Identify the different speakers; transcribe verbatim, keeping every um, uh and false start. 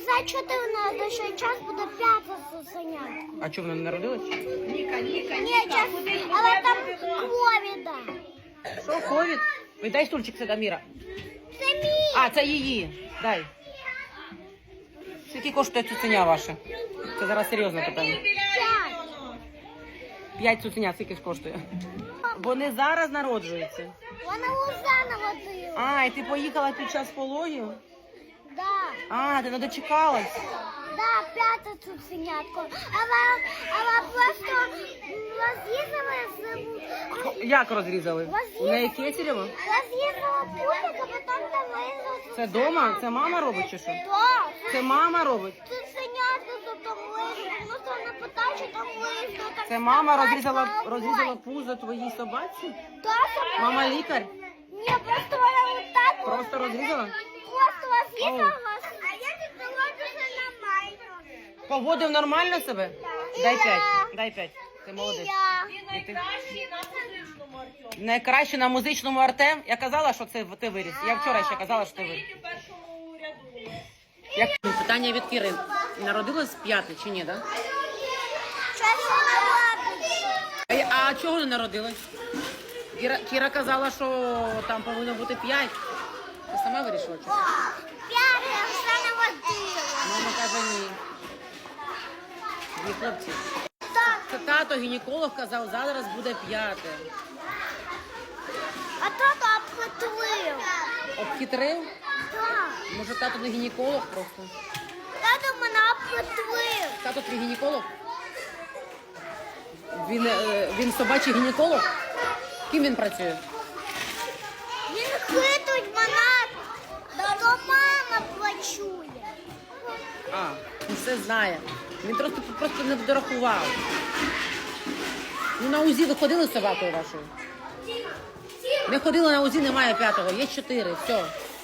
Speaker 1: за чотирнадцять, що час буде п'ята цуценятко.
Speaker 2: А чого вона не народилась?
Speaker 3: Ніка, Ніка,
Speaker 1: Ні,
Speaker 3: Ніка,
Speaker 1: час,
Speaker 3: куди
Speaker 1: але там ковіда.
Speaker 2: Що, ковід? Ой, дай стульчик сюди, Міра.
Speaker 1: Це мій.
Speaker 2: А, це її. Дай. Скільки коштує цуценя ваше? Це зараз серйозне питання.
Speaker 1: П'ять.
Speaker 2: П'ять цуценят скільки ж коштує? Вони зараз народжуються.
Speaker 1: Вона лоза наводила.
Speaker 2: А, і ти поїхала під час пологів?
Speaker 1: Да.
Speaker 2: А, ти не дочекалась.
Speaker 1: Да, п'ята цуценятко. Але, але просто розрізали з...
Speaker 2: Як розрізали? У неї кесарево?
Speaker 1: Розрізала путик, а потім там вирізала.
Speaker 2: Це дома? Це мама робить чи що?
Speaker 1: Да.
Speaker 2: Це мама робить?
Speaker 1: Цуценятко тут там вирізала. Ну, то не питай, що там вирізала. Так
Speaker 2: Це мама
Speaker 1: вставай,
Speaker 2: розрізала,
Speaker 1: вставай.
Speaker 2: розрізала пузо твоїй собаці?
Speaker 1: Да, сама.
Speaker 2: Мама лікар?
Speaker 1: Ні, просто вона отак.
Speaker 2: Просто розрізала?
Speaker 1: Просто розрізала. А я тут доводила на майку.
Speaker 2: Поводив нормально себе? Дай п'ять. Дай п'ять. Ти молодець.
Speaker 1: Я.
Speaker 2: І ти?
Speaker 3: найкращий на музичному, Артем.
Speaker 2: Найкраще на музичному Артем. Я казала, що це ти виріс. Я вчора ще казала, що ти виріс.
Speaker 3: Стоїть у першому ряду.
Speaker 2: Як питання від Кіри. Народилась п'яте чи ні, так?
Speaker 1: Щось вона робить.
Speaker 2: А, а чого не народилась? Кіра, Кіра казала, що там повинно бути п'ять. Ти сама вирішила? Чи?
Speaker 1: П'яте, я все наводила.
Speaker 2: Мама каже ні. Дві хлопці.
Speaker 1: Так.
Speaker 2: Це тато гінеколог казав, зараз буде п'яте.
Speaker 1: А тато обхитрив.
Speaker 2: Обхитрив?
Speaker 1: Так.
Speaker 2: Може тато не гінеколог просто?
Speaker 1: Тато мене обхитрив.
Speaker 2: Тато твій гінеколог? Він, е, він собачий гінеколог? Ким він працює?
Speaker 1: Він хитрить мене, то мама плачує.
Speaker 2: А, він все знає. Він просто, просто не дорахував. Ну на УЗІ ви ходили з собакою вашою? Не ходили на УЗІ, немає п'ятого, є чотири, все.